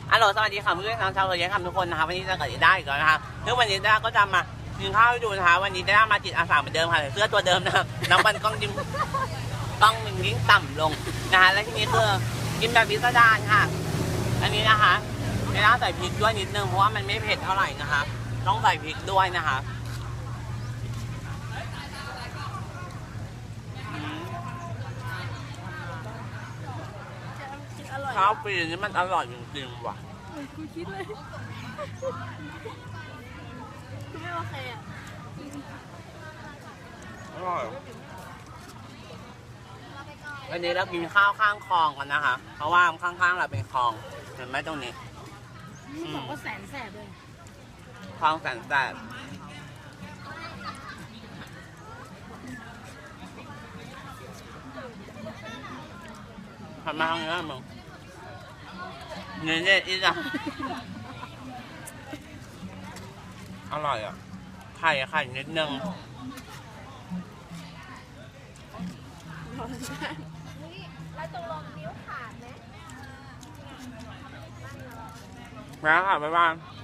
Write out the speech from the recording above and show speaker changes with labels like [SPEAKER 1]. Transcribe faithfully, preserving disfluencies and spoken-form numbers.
[SPEAKER 1] ฮัลโหลสวัสดีค่ะเพื่อนๆชาวโซเชียลทุกคนนะคะวันนี้จะเกิดได้อีกแล้วนะคะซึ่งวันนี้ด้าก็จะมากินข้าวให้ดูนะคะวันนี้ด้ามาจิตอาสาเหมือนเดิมค่ะเสื้อตัวเดิมนะครับน้ำมันกล้องยิ้มกล้องมันยิ่งต่ำลงนะคะและทีนี้คือกินแบบพิสดารค่ะอันนี้นะคะไม่ต้องใส่พริกด้วยนิดนึงเพราะว่ามันไม่เผ็ดเท่าไหร่นะคะต้องใส่พริกด้วยนะคะข้าวปีนี้มันอร่อยจริงๆว่ะ
[SPEAKER 2] กูคิดเลยกูไม่โอเคอ่ะ
[SPEAKER 1] อร่อยวันนี้เรากินข้าวข้างคลองกันนะคะเพราะว่าข้างๆเราเป็นคลองเห็นไหมตรงนี้
[SPEAKER 2] บอกว่าแสนแสบเลย
[SPEAKER 1] คลองแสนแสบทำมาทางนี้มึงเนี่ยเนี่ยอีจ้ะอร่อยอ่ะไข่ไข่นิดนึง
[SPEAKER 2] แล้วตรงลงนิ้วขาดไหม
[SPEAKER 1] แล้วค่ะบ๊ายบาย